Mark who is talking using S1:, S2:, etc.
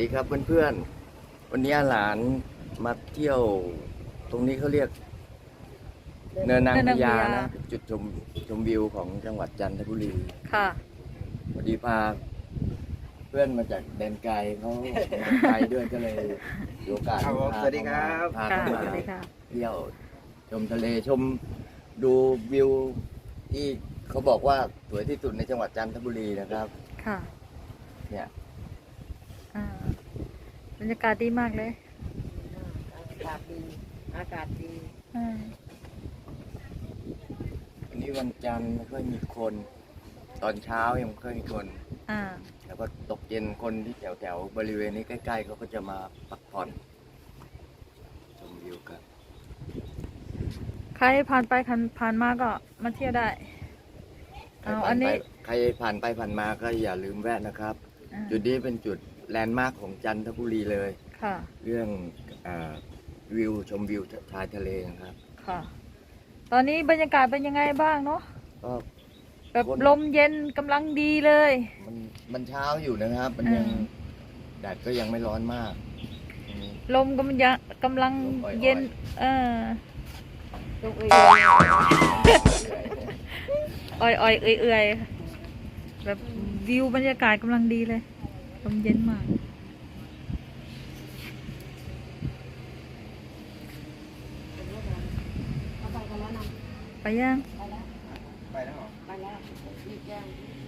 S1: ดีครับเพื่อนๆวันนี้หลานมาเที่ยวตรงนี้เขาเรียกเนินนางพญานะจุดชมวิวของจังหวัดจันทบุรี
S2: ค่ะ
S1: พอดีพาเพื่อนมาจากแดนไกลเขามาไกลด้วยก็เลยมีโอกาส
S3: สวัสดีครับ
S1: พาเขามา
S2: สวัสดีค่ะ
S1: เที่ยวชมทะเลชมดูวิวที่เขาบอกว่าสวยที่สุดในจังหวัดจันทบุรีนะครับ
S2: ค่ะ
S1: เนี่ย
S2: อ่าบรรยากาศดีมากเลย
S4: อากาศดี อากาศดี
S2: อ่า
S1: วันนี้วันจันทร์ไม่ค่อยมีคน ตอนเช้ายังไม่ค่อยมีคน
S2: อ่า
S1: แล้วก็ตกเย็นคนที่แถวบริเวณนี้ใกล้ๆเขาก็จะมาพักผ่อนชมวิวกัน
S2: ใครผ่านไปผ่านมาก็มาเที่ยวได้ เอาอันนี้
S1: ใครผ่านไปผ่านมาก็อย่าลืมแวะนะครับ
S2: อ่า
S1: จุดนี้เป็นจุดแลนด์มาร์คของจันทบุรีเลย
S2: ค่ะ
S1: เรื่องวิวชมวิวชายทะเลนะครับ
S2: ค่ะ ตอนนี้บรรยากาศเป็นยังไงบ้างเนาะ
S1: ก็
S2: แบบลมเย็นกำลังดีเลย
S1: มันเช้าอยู่นะครับ มันยัง
S2: อ่า
S1: แดดก็ยังไม่ร้อนมากตรงนี้
S2: ลมกำลัง
S1: ลมอ่อยๆ
S2: เย็น
S4: ลูกเอ๋ย
S2: อ่อยเอื่อยๆแบบวิวบรรยากาศกำลังดีเลย ลมเย็นมาก
S4: เอาไปกันแล้วนะ
S2: ไปยัง
S4: ไปแล้ว
S3: ไปแล้วเหรอ
S4: ไปแล้วรีบแจ้ง